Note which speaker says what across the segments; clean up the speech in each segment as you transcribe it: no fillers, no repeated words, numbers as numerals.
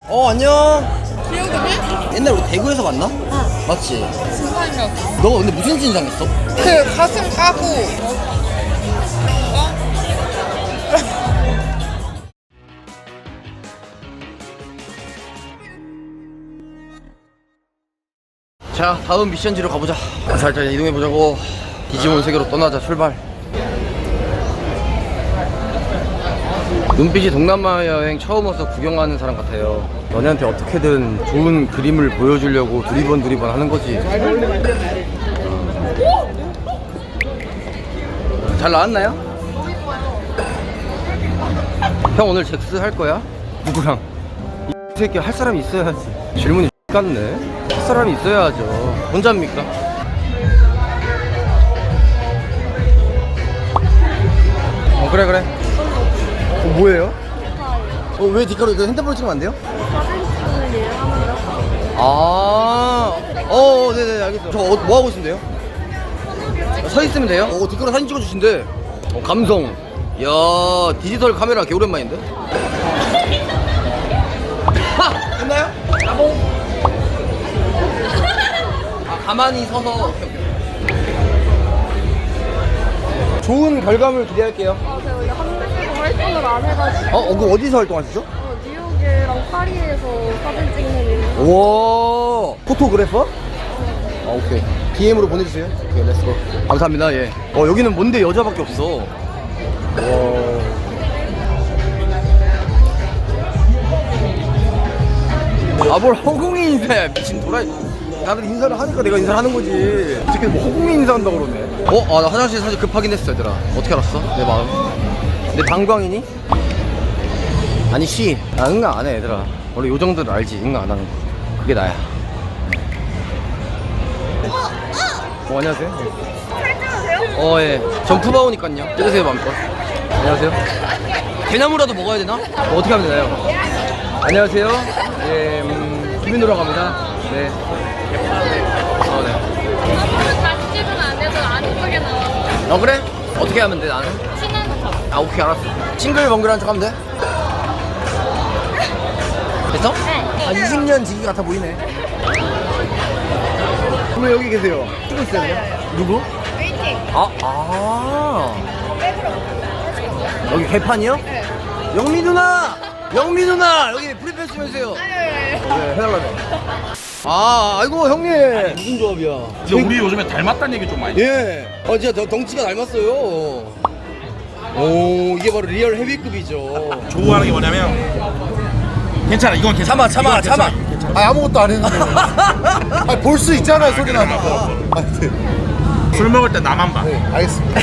Speaker 1: 안녕.
Speaker 2: 기억이네?
Speaker 1: 옛날 우리 대구에서 만나?
Speaker 2: 응.
Speaker 1: 맞지?
Speaker 2: 진상인가?
Speaker 1: 너 근데 무슨 진상 했어?
Speaker 2: 그 가슴 까고
Speaker 1: 자, 다음 미션지로 가보자. 살짝 이동해보자고. 디지몬 세계로 떠나자. 출발. 눈빛이 동남아 여행 처음 와서 구경하는 사람 같아요. 너네한테 어떻게든 좋은 그림을 보여주려고 두리번 하는 거지. 잘 나왔나요? 형 오늘 잭스 할 거야? 누구랑? 이 새끼 할 사람이 있어야지. 질문이 같네. 할 사람이 있어야죠. 혼자입니까? 그래. 뭐예요? 왜 뒷가로 이거 핸드폰 찍으면 안 돼요?
Speaker 3: 사진 찍는 일 하는데
Speaker 1: 네네 알겠어요. 저 뭐 하고 있는데요? 서 있으면 돼요? 뒷가로 사진 찍어주신대. 감성. 야, 디지털 카메라 개 오랜만인데? 됐나요? 가만히 서서. 오케이. 좋은 결과물 기대할게요.
Speaker 3: 제가 원래 한국에서 활동을 안 해가지고
Speaker 1: 그럼 어디서 활동하시죠?
Speaker 3: 뉴욕이랑 파리에서 사진 찍는 일.
Speaker 1: 와, 포토그래퍼? 오케이. DM으로 보내주세요. 오케이, 렛츠고. 감사합니다. 예. 여기는 뭔데 여자밖에 없어. 뭘 허공이 인사야, 미친 도라이. 다들 인사를 하니까 내가 인사를 하는 거지. 어떻게 뭐 허공이 인사한다고 그러네. 나 화장실 사실 급하긴 했어, 얘들아. 어떻게 알았어? 내 마음. 내 방광이니? 아니, 나 응가 안 해, 얘들아. 원래 요 정도를 알지, 응가 안 하는 거. 그게 나야. 안녕하세요. 예. 점프바오니깐요. 찍으세요, 마음껏. 안녕하세요. 대나무라도 먹어야 되나? 어떻게 하면 되나요? 안녕하세요. 예, 김민우라고 합니다. 네.
Speaker 3: 다시 찍으면 안 돼도 안 예쁘게 나와.
Speaker 1: 그래? 어떻게 하면 돼, 나는?
Speaker 3: 친한 척.
Speaker 1: 오케이, 알았어. 싱글벙글한 척 하면 돼? 됐어?
Speaker 3: 네.
Speaker 1: 20년 지기 같아 보이네. 왜 여기 계세요? 찍고 있어요, 그냥? 누구?
Speaker 3: 웨이팅.
Speaker 1: 여기 개판이요?
Speaker 3: 네.
Speaker 1: 영미 누나! 여기 프리패스 좀 해주세요. 네, 해달라며. 아이고, 형님. 무슨 조합이야?
Speaker 4: 근데 우리 요즘에 닮았다는 얘기 좀 많이.
Speaker 1: 예. 진짜 덩치가 닮았어요. 이게 바로 리얼 헤비급이죠.
Speaker 4: 좋아하는 게 뭐냐면 괜찮아, 이건 괜찮아.
Speaker 1: 참아.
Speaker 4: 이건 괜찮아.
Speaker 5: 아무것도 안 했는데. 볼 수 있잖아요, 소리 나는 거. 네.
Speaker 4: 술 먹을 때 나만 봐.
Speaker 5: 네, 알겠습니다.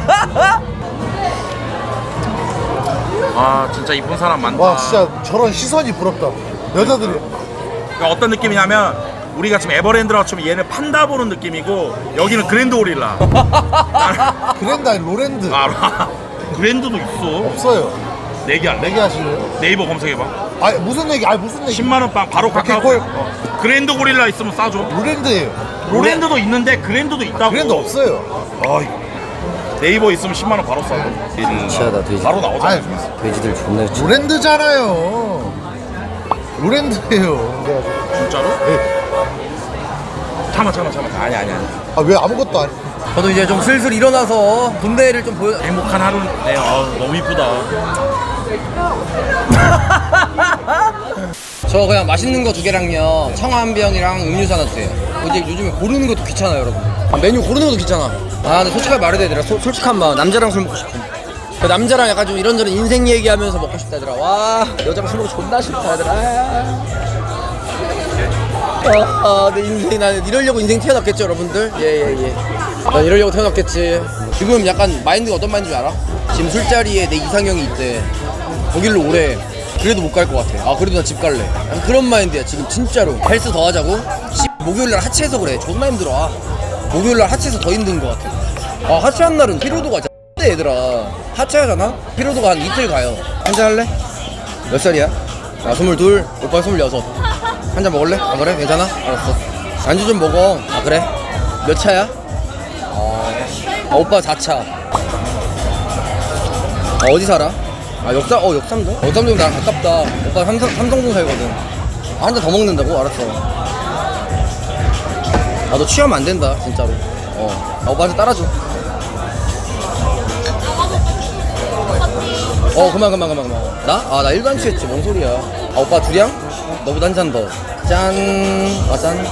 Speaker 4: 아 진짜 이쁜 사람 많다.
Speaker 5: 와, 진짜 저런 시선이 부럽다. 여자들이.
Speaker 4: 그러니까 어떤 느낌이냐면 우리가 지금 에버랜드라고 치면 얘는 판다 보는 느낌이고 여기는 그랜드 오릴라.
Speaker 5: 그랜드 아니 로랜드.
Speaker 4: 알아. 그랜드도 있어.
Speaker 5: 없어요.
Speaker 4: 내기할래?
Speaker 5: 내기 하실래요?
Speaker 4: 네이버 검색해봐.
Speaker 5: 무슨 얘기? 무슨 얘기?
Speaker 4: 10만 원 빵 바로 카카오.
Speaker 5: 콜.
Speaker 4: 그랜드 고릴라 있으면 싸줘.
Speaker 5: 로랜드예요.
Speaker 4: 로랜드도 있는데 그랜드도 있다고.
Speaker 5: 그랜드 없어요.
Speaker 4: 네이버 있으면 10만 원 바로 싸줘.
Speaker 1: 치하다, 돼지.
Speaker 4: 바로 나오잖아.
Speaker 5: 아니,
Speaker 1: 돼지들 존나
Speaker 5: 로랜드잖아요. 로랜드예요.
Speaker 4: 진짜로?
Speaker 5: 네.
Speaker 4: 참아. 아니야.
Speaker 5: 왜 아무것도 안 해?
Speaker 1: 저도 이제 좀 슬슬 일어나서 군대를 좀 보여.
Speaker 4: 행복한 하루네. 너무 이쁘다.
Speaker 1: 저 그냥 맛있는 거 2개랑요, 청아 한 병이랑 음료수 하나 주세요. 이제 요즘에 고르는 것도 귀찮아요, 여러분. 메뉴 고르는 것도 귀찮아. 근데 솔직하게 말해야 되더라. 솔직한 마음. 남자랑 술 먹고 싶어. 그 남자랑 약간 좀 이런저런 인생 얘기하면서 먹고 싶다, 얘들아. 와, 여자랑 술 먹고 존나 싫다, 얘들아. 내 인생이, 나는 이러려고 인생 태어났겠죠, 여러분들? 예. 난 이러려고 태어났겠지. 지금 약간 마인드가 어떤 마인드인지 알아? 지금 술자리에 내 이상형이 있대. 거길로 오래. 그래도 못 갈 것 같아. 그래도 나 집 갈래. 약간 그런 마인드야, 지금 진짜로. 헬스 더 하자고? 목요일날 하체해서 그래. 존나 힘들어. 목요일날 하체해서 더 힘든 것 같아. 하체한 날은 피로도가 X대, 얘들아. 하체하잖아? 피로도가 한 이틀 가요. 한잔 할래? 몇 살이야? 나 22, 오빠 26. 한잔 먹을래? 그래? 괜찮아? 알았어. 안주 좀 먹어. 그래? 몇 차야? 오빠 4차. 어디 살아? 역삼동? 역삼동 나랑 가깝다. 오빠 삼성동 살거든. 한 잔 더 먹는다고? 알았어. 아, 너 취하면 안 된다, 진짜로. 아, 오빠한테 따라줘. 그만. 나? 아, 나 일반 취했지. 뭔 소리야. 아, 오빠 둘이야? 너보다 한 잔 더. 짠. 아, 짠.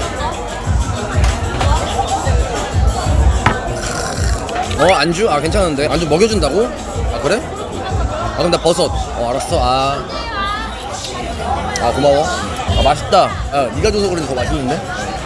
Speaker 1: 안주? 아, 괜찮은데. 안주 먹여준다고? 아, 그래? 아, 그럼 나 버섯. 알았어. 아, 고마워. 아, 맛있다. 야, 네가 줘서 그런지 더 맛있는데?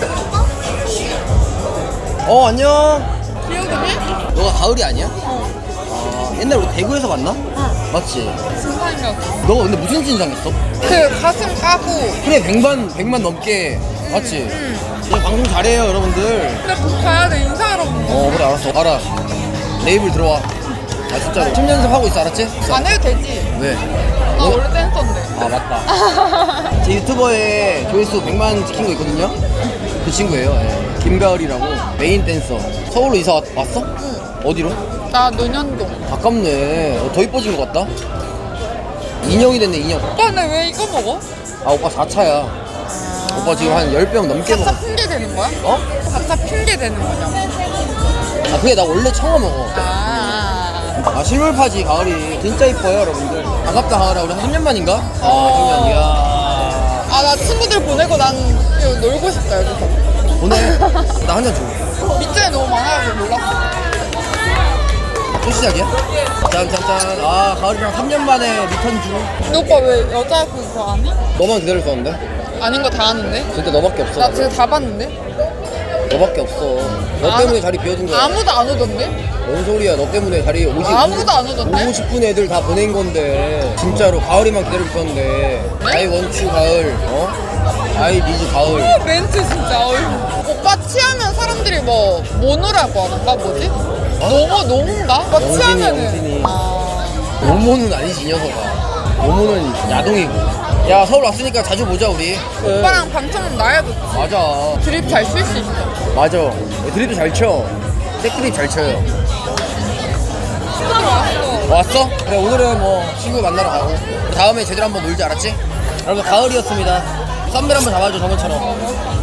Speaker 1: 안녕.
Speaker 2: 기억이니?
Speaker 1: 너가 가을이 아니야? 아, 옛날 우리 대구에서 만나? 맞지?
Speaker 2: 진상이었어.
Speaker 1: 너가 근데 무슨 진상했어?
Speaker 2: 그 가슴 까고.
Speaker 1: 그래, 100만 넘게. 맞지? 너 방송 잘해요, 여러분들.
Speaker 2: 근데 뭐 가야 돼, 인사하러 온 거.
Speaker 1: 그래, 알았어. 알아. 레이블 들어와. 아, 진짜로. 10연습 하고 있어, 알았지?
Speaker 2: 안 해도 되지.
Speaker 1: 왜?
Speaker 2: 나 원래 댄서인데.
Speaker 1: 아, 맞다. 제 유튜버에 조회수 100만 찍힌 거 있거든요? 그 친구예요. 예. 김가을이라고. 메인 댄서. 서울로 이사 왔어?
Speaker 2: 응.
Speaker 1: 어디로?
Speaker 2: 나 논현동.
Speaker 1: 가깝네. 더 이뻐진 것 같다. 인형이 됐네, 인형.
Speaker 2: 오빠는 왜 이거 먹어?
Speaker 1: 아, 오빠 4차야. 오빠 지금 한 10병 넘게 먹어.
Speaker 2: 가차 핑계 되는 거야?
Speaker 1: 어?
Speaker 2: 가차 핑계 되는 거냐고.
Speaker 1: 아, 그게 나 원래 처음 먹어. 아, 실물파지, 가을이. 진짜 이뻐요, 여러분들. 반갑다, 가을아. 우리 한 3년 만인가? 아, 3년. 이야.
Speaker 2: 아, 나 친구들 보내고 난 이거 놀고 싶다, 여기서.
Speaker 1: 보내. 나 한 잔 줘.
Speaker 2: 밑줄에 너무 많아서 몰랐어.
Speaker 1: 또 시작이야? 짠. 아, 가을이랑 3년 만에 리턴 중.
Speaker 2: 근데 오빠 왜 여자 그거 안 해?
Speaker 1: 너만 기다렸었는데?
Speaker 2: 아닌 거 다 아는데?
Speaker 1: 진짜 너밖에 없어.
Speaker 2: 나 지금 다 봤는데?
Speaker 1: 너밖에 없어. 너 때문에 자리 비워준 거야.
Speaker 2: 아무도 안 오던데?
Speaker 1: 뭔 소리야? 너 때문에 자리
Speaker 2: 아무도 안 오던데?
Speaker 1: 오고 싶은 애들 다 보낸 건데. 진짜로 가을이만 기다리고 있었는데. I want you 가을. I need 가을.
Speaker 2: 멘트 진짜 어휴. 오빠 취하면 사람들이 뭐 모노라고 하는가 뭐지? 노모인가? 오빠
Speaker 1: 영진이,
Speaker 2: 취하면은
Speaker 1: 영진이.
Speaker 2: 아,
Speaker 1: 모모는 아니지, 이 녀석아. 모모는 야동이고. 야, 서울 왔으니까 자주 보자, 우리.
Speaker 2: 오빠랑 방청 나야 좋지.
Speaker 1: 맞아.
Speaker 2: 드립 잘 칠 수 있어.
Speaker 1: 맞아. 드립도 잘 쳐. 백드립 잘 쳐요.
Speaker 2: 친구들 왔어.
Speaker 1: 왔어? 그래, 오늘은 뭐 친구 만나러 가고 다음에 제대로 한번 놀자, 알았지? 여러분, 가을이었습니다. 썸벨 한번 잡아줘, 저번처럼.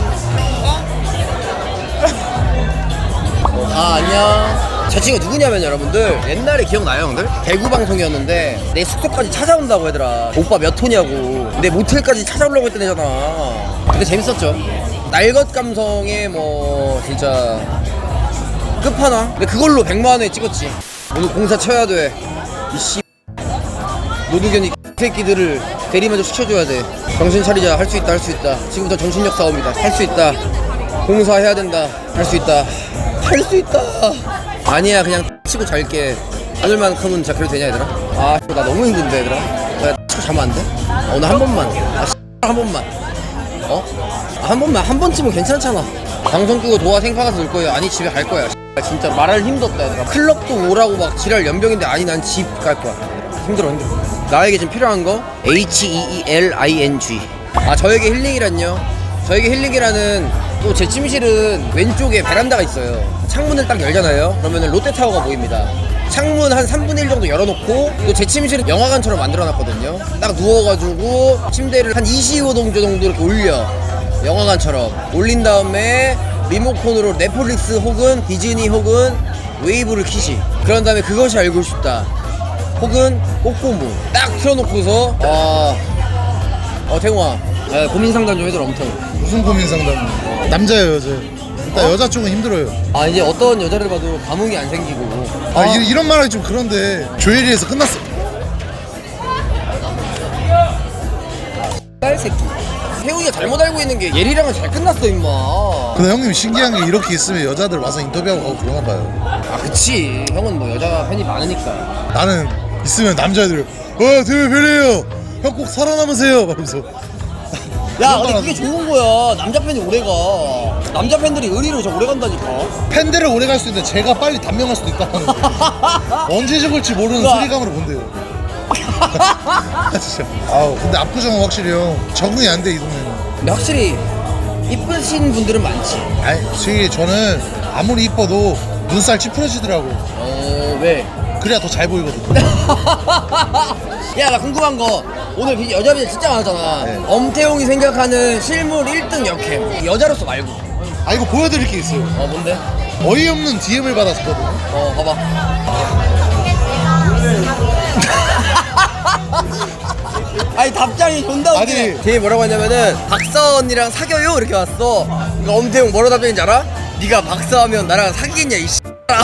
Speaker 1: 안녕. 저 친구 누구냐면 여러분들 옛날에 기억나요, 형들? 대구 방송이었는데 내 숙소까지 찾아온다고 하더라. 오빠 몇 호냐고. 내 모텔까지 찾아오려고 했던 애잖아. 근데 재밌었죠. 날것 감성의 뭐 진짜 끝판왕. 근데 그걸로 100만 원에 찍었지. 오늘 공사 쳐야 돼. 이씨 노두견이 새끼들을 대리만족 시켜줘야 돼. 정신 차리자. 할 수 있다, 할 수 있다. 지금부터 정신력 싸움이다. 할 수 있다. 공사해야 된다. 할 수 있다. 할 수 있다. 아니야, 그냥 치고 잘게. 오늘만큼은 진짜 그래도 되냐, 얘들아? 아, 나 너무 힘든데, 얘들아. 나 치고 자면 안 돼? 오늘 한 번만. 한 번만. 한 번만. 한 번쯤은 괜찮잖아. 방송 끄고 도화 생파 가서 놀 거예요. 아니, 집에 갈 거야. 진짜 말할 힘도 없다, 얘들아. 클럽도 오라고 막 지랄 연병인데 아니, 난 집 갈 거야. 힘들어. 나에게 지금 필요한 거 HEELING. 아, 저에게 힐링이란요. 저에게 힐링이라는 또 제 침실은 왼쪽에 베란다가 있어요. 창문을 딱 열잖아요. 그러면 롯데타워가 보입니다. 창문 한 3분의 1 정도 열어놓고 또 제 침실은 영화관처럼 만들어놨거든요. 딱 누워가지고 침대를 한 25도 정도 이렇게 올려. 영화관처럼 올린 다음에 리모컨으로 넷플릭스 혹은 디즈니 혹은 웨이브를 키지. 그런 다음에 그것이 알고 싶다 혹은 꼬꼬무 딱 틀어놓고서 태웅아, 고민 상담 좀 해줘라. 엄청.
Speaker 5: 무슨 고민 상담? 남자예요, 여자예요? 일단 여자 쪽은 힘들어요.
Speaker 1: 아, 이제 어떤 여자를 봐도 감흥이 안 생기고.
Speaker 5: 이런 말 하기 좀 그런데 조엘이에서 끝났어.
Speaker 1: 딸새끼. 태웅이가 잘못 알고 있는 게 예리랑은 잘 끝났어, 임마.
Speaker 5: 근데 형님 신기한 게 이렇게 있으면 여자들 와서 인터뷰하고 가고 그러나 봐요.
Speaker 1: 아, 그치. 형은 뭐 여자 팬이 많으니까.
Speaker 5: 나는 있으면 남자애들 되게 별이에요. 형 꼭 살아남으세요. 말하면서.
Speaker 1: 야, 근데 그게 좋은 거야. 남자 팬이 오래 가. 남자 팬들이 의리로 저 오래 간다니까.
Speaker 5: 팬들을 오래 갈 수 있는데 제가 빨리 단명할 수도 있다는 거. 언제 죽을지 모르는
Speaker 1: 그거-
Speaker 5: 스리감으로 본대요. 진짜. 근데 압구정은 확실히 형 적응이 안 돼, 이 동네는.
Speaker 1: 근데 확실히 이쁘신 분들은 많지.
Speaker 5: 아니, 솔직히 저는 아무리 이뻐도 눈살 찌푸러지더라고.
Speaker 1: 왜?
Speaker 5: 그래야 더 잘 보이거든.
Speaker 1: 야, 나 궁금한 거. 오늘 여자 비제 진짜 많았잖아.
Speaker 5: 네.
Speaker 1: 엄태웅이 생각하는 실물 1등 역캠. 여자로서 말고.
Speaker 5: 아 이거 보여드릴 게 있어요.
Speaker 1: 뭔데?
Speaker 5: 어이없는 DM을 받았었거든요.
Speaker 1: 봐봐. 아니 답장이 존나 웃기네.
Speaker 5: 아니.
Speaker 1: 걔 뭐라고 했냐면은 박사 언니랑 사겨요 이렇게 왔어. 그러니까 엄태웅 뭐라고 답장인지 알아? 네가 박사하면 나랑 사귀겠냐 이 씨X라.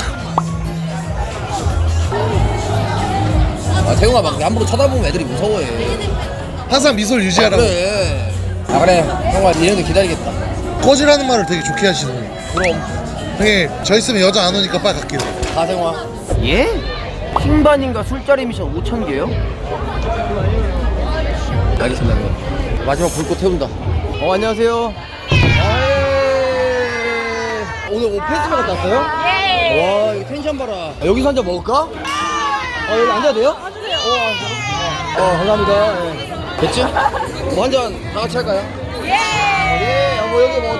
Speaker 1: 아 태웅아 막 함부로 쳐다보면 애들이 무서워해.
Speaker 5: 항상 미소를 유지하라고.
Speaker 1: 그래. 아 그래 형아 니네도 기다리겠다.
Speaker 5: 꺼지라는 말을 되게 좋게 하시는.
Speaker 1: 그럼
Speaker 5: 형님 저 있으면 여자 안 오니까 빨리 갈게요.
Speaker 1: 가생화. 예? 킹반인가 술자리 미션 5,000개요? 알겠습니다. 형님. 마지막 불꽃 태운다. 안녕하세요. 오늘 뭐 페스티벌 갔다 왔어요?
Speaker 3: 예.
Speaker 1: 와 이거 텐션 봐라. 여기서 한 잔 먹을까? 여기 앉아도 돼요?
Speaker 3: 앉으세요.
Speaker 1: 감사합니다. 예. 됐지? 뭐 한 잔 다 같이 할까요? 예. 뭐 여기 뭐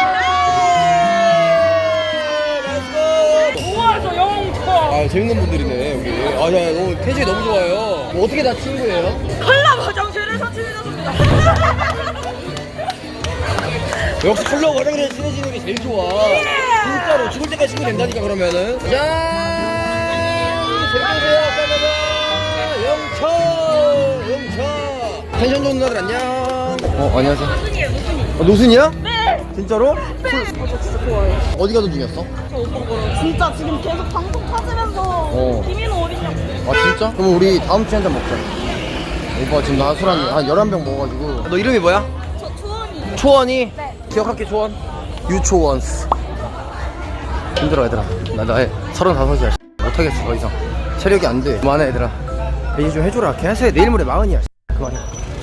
Speaker 3: 우와, 저 영웅
Speaker 1: 재밌는 분들이네 여기. 야 너무 텐션이 너무 좋아요. 뭐 어떻게 다 친구예요?
Speaker 3: 콜라 화장실에서 친해졌습니다.
Speaker 1: 역시 컬러 화장실에 친해지는 게 제일 좋아. 진짜로 죽을 때까지 친구 된다니까 그러면은. 짠! 재밌으세요? 영철! 영철! 텐션 좋은 누나들 안녕. 안녕하세요.
Speaker 3: 노순이에요, 노순이.
Speaker 1: 노순이야?
Speaker 3: 네.
Speaker 1: 진짜로?
Speaker 3: 저 진짜 좋아해요.
Speaker 1: 어디가 노순이었어?
Speaker 3: 저 오빠 거요. 진짜 지금 계속 방송 타지면서 김인호 어디냐고.
Speaker 1: 진짜? 그럼 우리 다음 주에 한잔 먹자. 오빠 지금 나 술 한 11병 먹어가지고. 너 이름이 뭐야?
Speaker 3: 저 투원이.
Speaker 1: 초원이?
Speaker 3: 네.
Speaker 1: 기억할게 초원. 유초원스. 힘들어 얘들아. 나이 35이야. 못하겠어 더 이상. 체력이 안 돼. 그만해 얘들아. 이제 좀 해줘라. 걔한테 내일 모레 40이야. 그만해.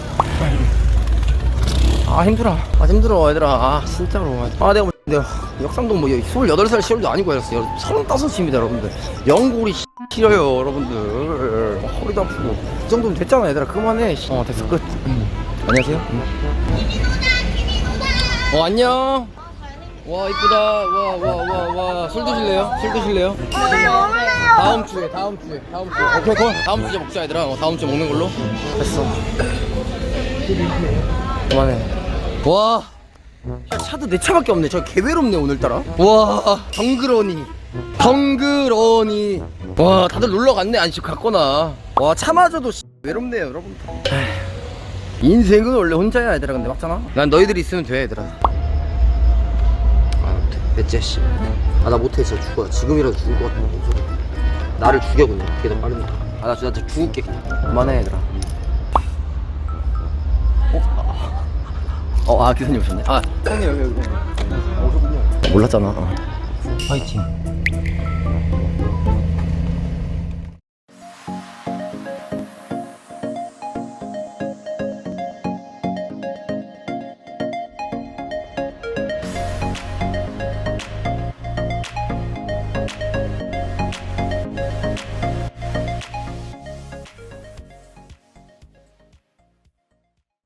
Speaker 1: 힘들어. 힘들어 얘들아. 진짜로. 내가 역삼동 뭐 28살 시월도 아니고 이랬어. 35입니다 여러분들. 연골이 싫어요 여러분들. 허리도 아프고. 이 정도면 됐잖아 얘들아. 그만해. 됐어 끝. 안녕하세요. 안녕. 와 이쁘다. 와 술 드실래요? 술 드실래요?
Speaker 3: 네, 먹을래요.
Speaker 1: 다음 주에 오케이 콜. 다음 주에 먹자 얘들아. 다음 주에 먹는 걸로. 됐어. 그만해. 와 차도 내 차밖에 없네. 저 개외롭네 오늘따라. 와 덩그러니 와 다들 놀러 갔네. 안식 갔거나. 와 차마저도 외롭네요 여러분. 인생은 원래 혼자야 얘들아. 근데 맞잖아. 난 너희들이 있으면 돼 얘들아. 넷째 씨. 나 못해 진짜 죽어. 지금이라도 죽을 것 같아. 나를 죽여 그냥. 그게 더 빠르니까. 나 진짜 죽을게 그냥. 그만해 얘들아. 기사님 오셨네. 형님 여기 오셨군요. 몰랐잖아. 파이팅.